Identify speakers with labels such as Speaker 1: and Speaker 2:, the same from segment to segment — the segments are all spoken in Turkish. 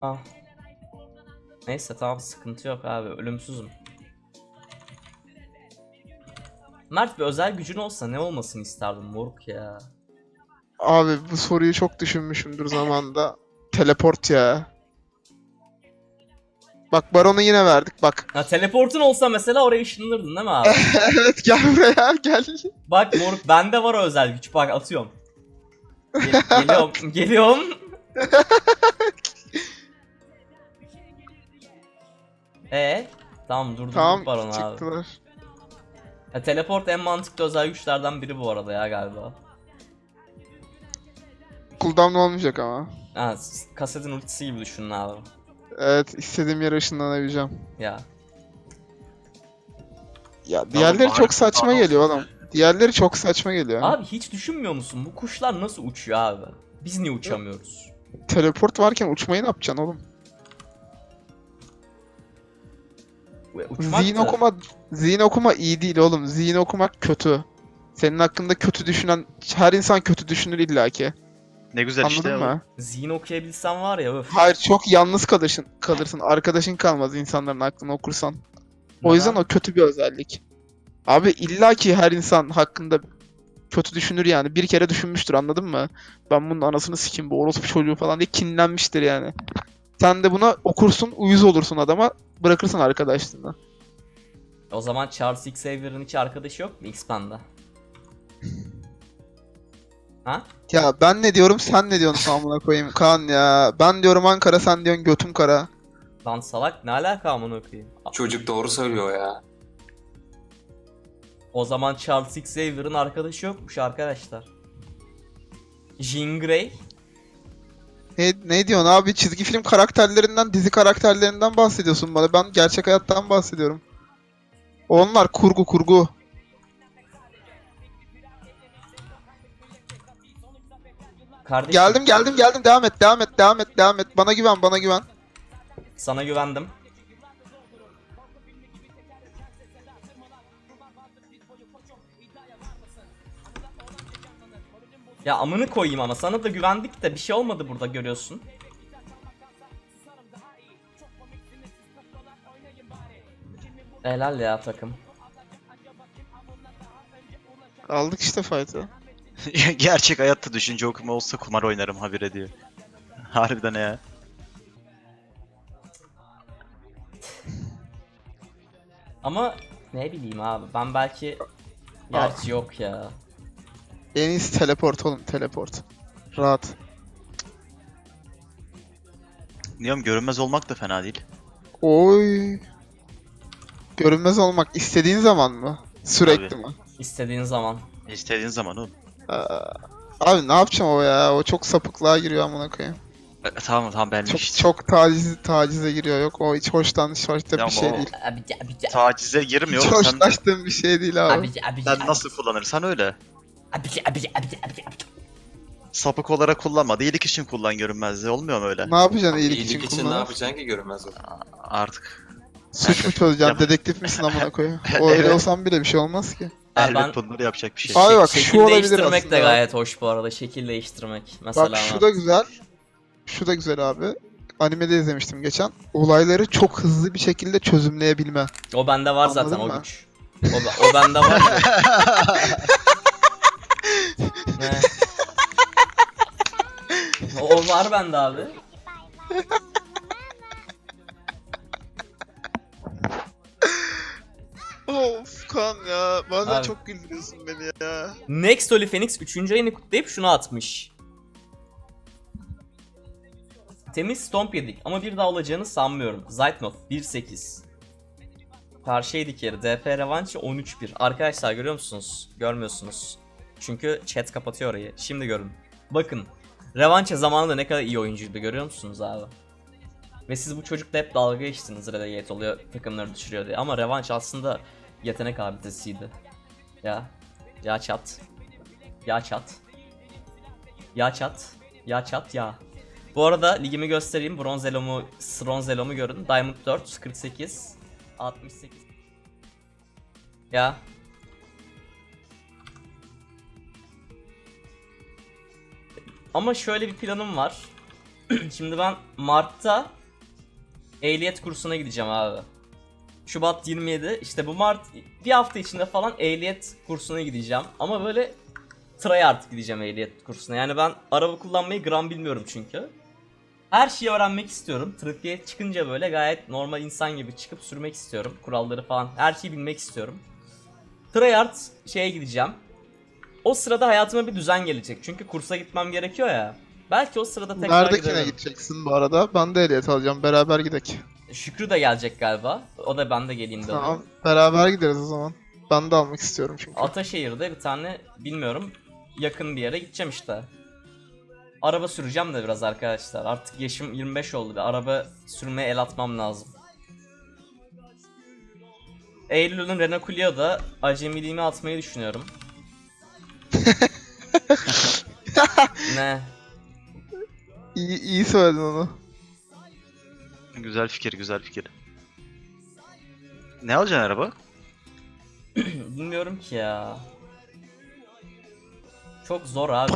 Speaker 1: Ah. Neyse tamam, sıkıntı yok abi, ölümsüzüm. Mert, bir özel gücün olsa ne olmasını isterdin moruk ya?
Speaker 2: Abi bu soruyu çok düşünmüşümdür zamanda. Teleport ya. Bak Baron'u yine verdik bak.
Speaker 1: Ha, teleportun olsa mesela oraya ışınlanırdın değil mi abi?
Speaker 2: Evet gel buraya gel.
Speaker 1: Bak moruk, bende var o özel güç, bak atıyorum. Geliyorum geliyorum. Tamam, durdurduk
Speaker 2: Tamam
Speaker 1: Baron abi.
Speaker 2: çıktılar.
Speaker 1: Teleport en mantıklı özel güçlerden biri bu arada ya galiba.
Speaker 2: Cooldown olmayacak ama.
Speaker 1: Ha, kasetin ultisi gibi düşünün abi.
Speaker 2: Evet istediğim yere ışınlanabileceğim.
Speaker 1: Ya.
Speaker 2: Ya
Speaker 3: Ne oğlum
Speaker 2: diğerleri
Speaker 3: bari
Speaker 2: çok saçma
Speaker 3: cooldown
Speaker 2: geliyor
Speaker 3: olsun
Speaker 2: oğlum.
Speaker 3: ya.
Speaker 2: Diğerleri çok saçma geliyor.
Speaker 1: Abi hiç düşünmüyor musun, bu kuşlar nasıl uçuyor abi? Biz niye uçamıyoruz?
Speaker 2: Teleport varken uçmayı ne yapacaksın oğlum?
Speaker 1: Uçmak
Speaker 2: Zihin
Speaker 1: da.
Speaker 2: okuma, zihin okuma iyi değil oğlum. Zihin okumak kötü. Senin hakkında kötü düşünen, her insan kötü düşünür illaki.
Speaker 3: Ne güzel
Speaker 2: Anladın
Speaker 3: işte.
Speaker 2: mı?
Speaker 1: Zihin okuyabilsem var ya, öf.
Speaker 2: Hayır çok yalnız kalırsın. Arkadaşın kalmaz insanların aklını okursan. O yüzden
Speaker 1: Neden?
Speaker 2: o kötü bir özellik. Abi illaki her insan hakkında kötü düşünür yani. Bir kere düşünmüştür anladın mı? Ben bunun anasını sikeyim bu orospu çocuğu falan diye kinlenmiştir yani. Sen de buna okursun, uyuz olursun adama, bırakırsın arkadaşlığını.
Speaker 1: O zaman Charles Xavier'ın hiç arkadaşı yok mu X-Pen'de? Ha?
Speaker 2: Ya ben ne diyorum sen ne diyorsun amına koyayım Kaan ya. Ben diyorum Ankara sen diyorsun götüm kara.
Speaker 1: Lan salak, ne alaka amına koyayım?
Speaker 4: Çocuk doğru söylüyor ya.
Speaker 1: O zaman Charles Xavier'ın arkadaşı yokmuş arkadaşlar. Jean Grey?
Speaker 2: Ne diyorsun abi çizgi film karakterlerinden dizi karakterlerinden bahsediyorsun bana. Ben gerçek hayattan bahsediyorum. Onlar kurgu.
Speaker 1: Kardeşim,
Speaker 2: Geldim devam et. Bana güven.
Speaker 1: sana güvendim. Ya amını koyayım, ama sana da güvendik de bir şey olmadı burada, görüyorsun. Helal ya takım.
Speaker 2: Aldık işte fight'ı.
Speaker 3: Gerçek hayatta düşünce okuma olsa kumar oynarım habire diyor. Harbiden ya.
Speaker 1: Ama ne bileyim abi, ben belki... Gerçi yok ya.
Speaker 2: En iyisi teleport oğlum teleport. Rahat.
Speaker 3: Diyorum görünmez olmak da fena değil.
Speaker 2: Oy. Görünmez olmak istediğin zaman mı? Sürekli
Speaker 3: Tabii.
Speaker 2: mi?
Speaker 1: İstediğin zaman.
Speaker 3: İstediğin zaman oğlum.
Speaker 2: Abi ne yapacağım o ya? O çok sapıklığa giriyor amına koyayım.
Speaker 3: Tamam benlik
Speaker 2: Çok
Speaker 3: işte.
Speaker 2: çok tacize giriyor yok. O hiç hoşta
Speaker 3: Ya
Speaker 2: bir şey
Speaker 3: o-
Speaker 2: değil.
Speaker 1: Abici abici
Speaker 3: Tacize girmiyor
Speaker 2: Hiç
Speaker 3: oğlum. Sen,
Speaker 2: hoşlaştığım bir şey değil abi.
Speaker 1: abici abici
Speaker 3: sen nasıl kullanırsan öyle.
Speaker 1: abici abici abici abici.
Speaker 3: Sapık olarak kullanma. İyilik için kullan görünmezliği. Olmuyor mu öyle?
Speaker 2: Ne yapacaksın iyilik
Speaker 4: İyilik
Speaker 2: için
Speaker 4: için ne
Speaker 2: kullanıp?
Speaker 4: yapacaksın ki görünmez o.
Speaker 3: Artık.
Speaker 2: Suç mu çözeceksin?
Speaker 3: Yap-
Speaker 2: Dedektif misin amına koyayım? O öyle
Speaker 3: Evet.
Speaker 2: olsam bile bir şey olmaz ki.
Speaker 1: Ben-
Speaker 3: Elbet bunları yapacak bir şey.
Speaker 2: Abi bak
Speaker 1: Şekil
Speaker 2: şu olabilir
Speaker 1: değiştirmek
Speaker 2: aslında.
Speaker 1: de gayet hoş bu arada. Şekil değiştirmek. Mesela
Speaker 2: Bak şu da güzel. Şu da güzel abi. Animede izlemiştim geçen. Olayları çok hızlı bir şekilde çözümleyebilme.
Speaker 1: o bende var
Speaker 2: Anladın
Speaker 1: zaten o
Speaker 2: mı?
Speaker 1: güç. O bende var. Ne? O var bende abi.
Speaker 2: Of kan ya. Bazen
Speaker 1: Abi.
Speaker 2: çok güldürüyorsun beni ya.
Speaker 1: Next Holy Phoenix 3. ayını kutlayıp şunu atmış. Temiz stomp yedik ama bir daha olacağını sanmıyorum. Zaytnov 1.8. Karşı yedik yeri. DP revanşı 13-1. Arkadaşlar görüyor musunuz? Görmüyorsunuz. Çünkü chat kapatıyor orayı. Şimdi görün. Bakın. Revança zamanında ne kadar iyi oyuncuydu, görüyor musunuz abi? Ve siz bu çocukla hep dalga geçtiniz, relegate oluyor, takımları düşürüyor diye. Ama revanş aslında yetenek abidesiydi. Ya. Ya çat. Ya çat. Ya çat. Ya çat ya. Bu arada ligimi göstereyim. Bronz elomu görün. Diamond 4, 48, 68. Ya. Ama şöyle bir planım var. Şimdi ben Mart'ta ehliyet kursuna gideceğim abi. Şubat 27. İşte bu Mart bir hafta içinde falan ehliyet kursuna gideceğim. Ama böyle tryhard gideceğim ehliyet kursuna. Yani ben araba kullanmayı gram bilmiyorum çünkü. Her şeyi öğrenmek istiyorum. Trafiğe çıkınca böyle gayet normal insan gibi çıkıp sürmek istiyorum. Kuralları falan her şeyi bilmek istiyorum. Tryhard şeye gideceğim. O sırada hayatıma bir düzen gelecek. Çünkü kursa gitmem gerekiyor ya. Belki o sırada tekrar
Speaker 2: Neredekine
Speaker 1: giderim.
Speaker 2: gideceksin bu arada? Ben de ehliyet alacağım. Beraber gidek.
Speaker 1: Şükrü de gelecek galiba. O da ben de geleyim dedi.
Speaker 2: Tamam. Beraber gideriz o zaman. Ben de almak istiyorum çünkü.
Speaker 1: Ataşehir'de bir tane bilmiyorum yakın bir yere gideceğim işte. Araba süreceğim de biraz arkadaşlar. Artık yaşım 25 oldu ve araba sürmeye el atmam lazım. Eylül'ün Renault Clio'da acemiliğimi atmayı düşünüyorum. Ne?
Speaker 2: İyi söyledin onu.
Speaker 3: Güzel fikir, güzel fikir. Ne alacaksın araba?
Speaker 1: Bilmiyorum ki ya. Çok zor abi.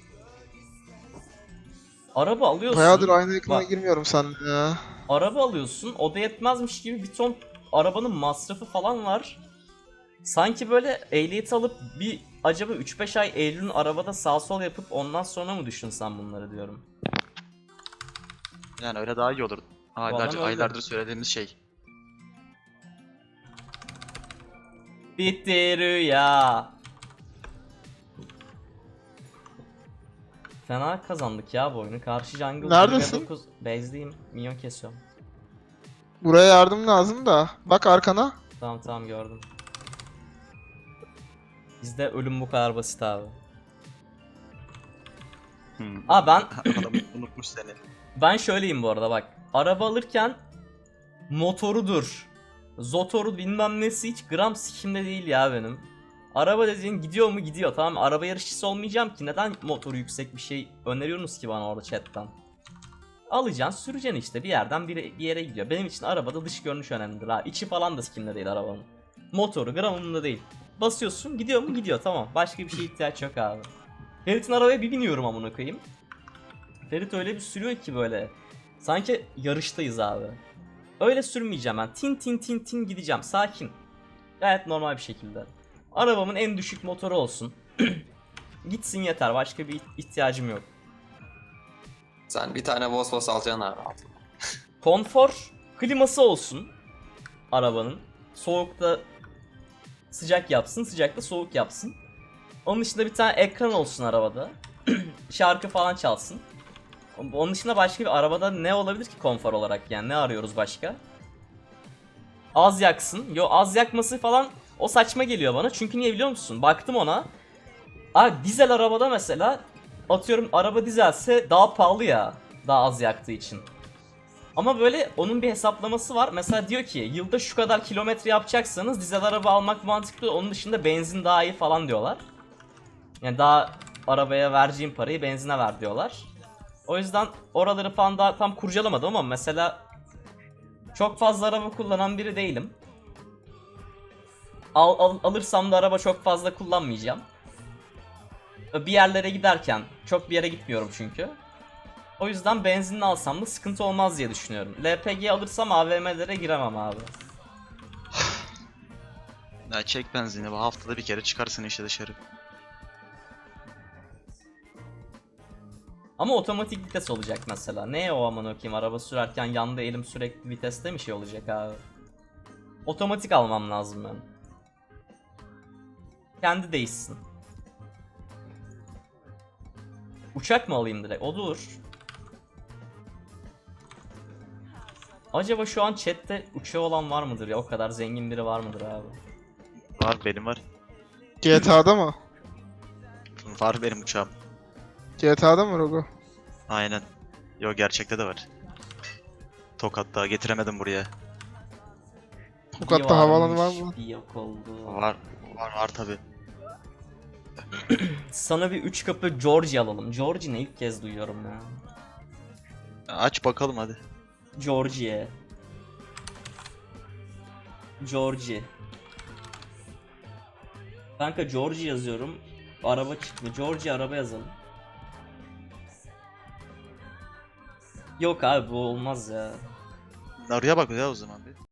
Speaker 1: Araba alıyorsun.
Speaker 2: Bayağıdır aynı ekrana
Speaker 1: Bak,
Speaker 2: girmiyorum seninle ya.
Speaker 1: araba alıyorsun. O da yetmezmiş gibi bir ton arabanın masrafı falan var. Sanki böyle ehliyet alıp bir acaba 3-5 ay Eylül'ün arabada sağ sol yapıp ondan sonra mı düşünsem bunları diyorum.
Speaker 3: Yani öyle daha iyi olur.
Speaker 1: Vallahi öyle.
Speaker 3: Aylardır söylediğimiz şey.
Speaker 1: Bitti rüya. Fena kazandık ya bu oyunu. Karşı jungle
Speaker 2: Neredesin?
Speaker 1: 29 base'deyim. Minyon kesiyorum.
Speaker 2: Buraya yardım lazım da. Bak arkana.
Speaker 1: Tamam tamam gördüm. Bizde ölüm bu kadar basit abi. Aa
Speaker 3: Adam unutmuş seni.
Speaker 1: ben şöyleyim bu arada bak. Araba alırken motorudur, zotoru bilmem nesi hiç gram sikimde değil ya benim. Araba dediğin gidiyor mu gidiyor, tamam mı? Araba yarışçısı olmayacağım ki, neden motoru yüksek bir şey öneriyorsunuz ki bana orada chatten? Alacaksın süreceksin işte, bir yerden bir yere gidiyor. Benim için arabada dış görünüş önemlidir ha. İçi falan da sikimde değil arabanın. Motoru gram umurumda değil. Basıyorsun gidiyor mu gidiyor, tamam. Başka bir şeye ihtiyaç yok abi. Ferit'in arabaya bir biniyorum amına koyayım. Ferit öyle bir sürüyor ki böyle. Sanki yarıştayız abi. Öyle sürmeyeceğim ben. Tin tin tin tin gideceğim. Sakin. Gayet normal bir şekilde. Arabamın en düşük motoru olsun. Gitsin yeter. Başka bir ihtiyacım yok.
Speaker 4: Sen bir tane Vosvos alacaksın abi.
Speaker 1: Konfor kliması olsun arabanın. Soğukta sıcak yapsın, sıcakta soğuk yapsın. Onun dışında bir tane ekran olsun arabada. Şarkı falan çalsın. Onun dışında başka bir arabada ne olabilir ki konfor olarak, yani ne arıyoruz başka? Az yaksın. Yo, az yakması falan o saçma geliyor bana. Çünkü niye biliyor musun? Baktım ona. Abi dizel arabada mesela, atıyorum araba dizelse daha pahalı ya. Daha az yaktığı için. Ama böyle onun bir hesaplaması var. Mesela diyor ki yılda şu kadar kilometre yapacaksanız dizel araba almak mantıklı. Onun dışında benzin daha iyi falan diyorlar. Yani daha arabaya vereceğim parayı benzine ver diyorlar. O yüzden oraları falan daha tam kurcalamadım ama mesela çok fazla araba kullanan biri değilim. Alırsam da araba çok fazla kullanmayacağım. Bir yerlere giderken çok bir yere gitmiyorum çünkü. O yüzden benzinli alsam da sıkıntı olmaz diye düşünüyorum. LPG alırsam AVM'lere giremem abi.
Speaker 3: Ya çek benzini, bu haftada bir kere çıkarsın işte dışarı.
Speaker 1: Ama otomatik vites olacak mesela. Ne o aman okuyayım, araba sürerken yanda elim sürekli viteste mi şey olacak abi? Otomatik almam lazım ben. Kendi değişsin. Uçak mı alayım direkt? O dur. Acaba şu an chatte uçağı olan var mıdır ya? O kadar zengin biri var mıdır abi?
Speaker 3: Var, benim var.
Speaker 2: GTA'da mı?
Speaker 3: Var benim uçağım.
Speaker 2: GTA'da mı Rogo?
Speaker 3: Aynen. Yo, gerçekte de var. Tokat'ta getiremedim buraya.
Speaker 2: Tokat'ta havaalanı var mı?
Speaker 1: Bir yok oldu.
Speaker 3: Var tabi.
Speaker 1: Sana bir 3 kapı Georgie alalım. Georgie ne, ilk kez duyuyorum ya.
Speaker 3: Aç bakalım hadi.
Speaker 1: Georgie. Georgie. Kanka Georgie yazıyorum. Araba çıktı. Georgie araba yazalım. Yok abi bu olmaz ya.
Speaker 3: Naru'ya bak ya o zaman bir.